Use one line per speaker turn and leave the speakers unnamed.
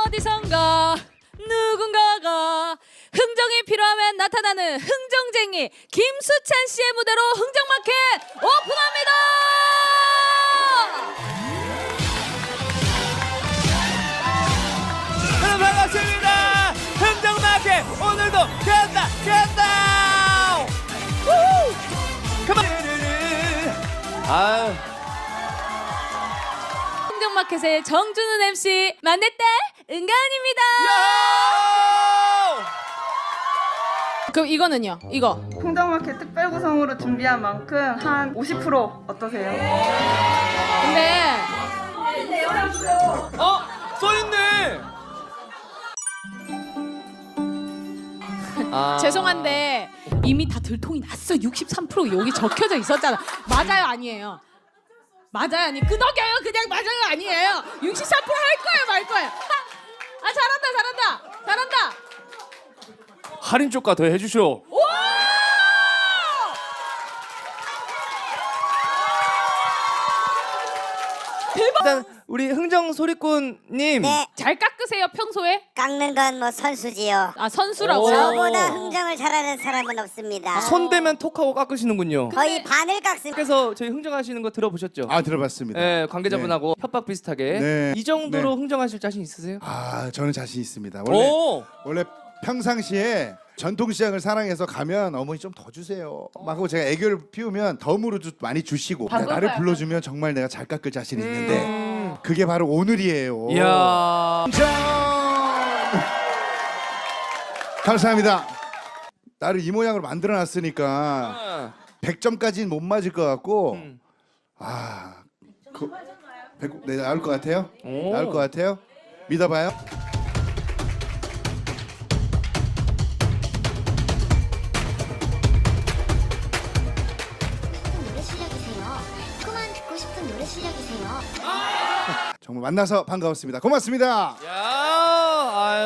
어디선가 누군가가 흥정이 필요하면 나타나는 흥정쟁이 김수찬 씨의 무대로 흥정마켓 오픈합니다.
여러분 반갑습니다. 흥정마켓 오늘도 간다. 우후. 그만. 아.
흥정마켓의 정준은 MC 만났다 은가은입니다. 그럼 이거는요? 이거
흥정마켓 특별 구성으로 준비한 만큼 한 50% 어떠세요?
근데
써있네.
죄송한데 이미 다 들통이 났어. 63% 여기 적혀져 있었잖아. 맞아요 아니에요? 맞아요 아니 끄덕여요 그냥 맞아요 아니에요? 63% 할 거예요 말 거예요? 아 잘한다.
할인 조가 더 해주쇼. 일단 우리 흥정 소리꾼님.
네,
잘 깎으세요 평소에?
깎는 건 뭐 선수지요.
아 선수라고요?
저보다 흥정을 잘하는 사람은 없습니다.
손대면 톡하고 깎으시는군요.
거의 반을 깎습니다.
그래서 저희 흥정하시는 거 들어보셨죠?
아 들어봤습니다.
네, 관계자분하고 협박 비슷하게.
네.
이 정도로
네.
흥정하실 자신 있으세요?
아 저는 자신 있습니다.
오.
원래 평상시에 전통시장을 사랑해서 가면 어머니 좀 더 주세요. 막 하고 제가 애교를 피우면 덤으로 많이 주시고 나를 불러주면 정말 내가 잘 깎을 자신 있는데 그게 바로 오늘이에요.
이야.
감사합니다. 나를 이 모양으로 만들어놨으니까 100점까지는 못 맞을 것 같고 네, 나올 것 같아요?
오.
나올 것 같아요? 믿어봐요.
노래 시작이세요. 그만 듣고 싶은 노래 시작이세요.
정말 만나서 반가웠습니다. 고맙습니다.
야.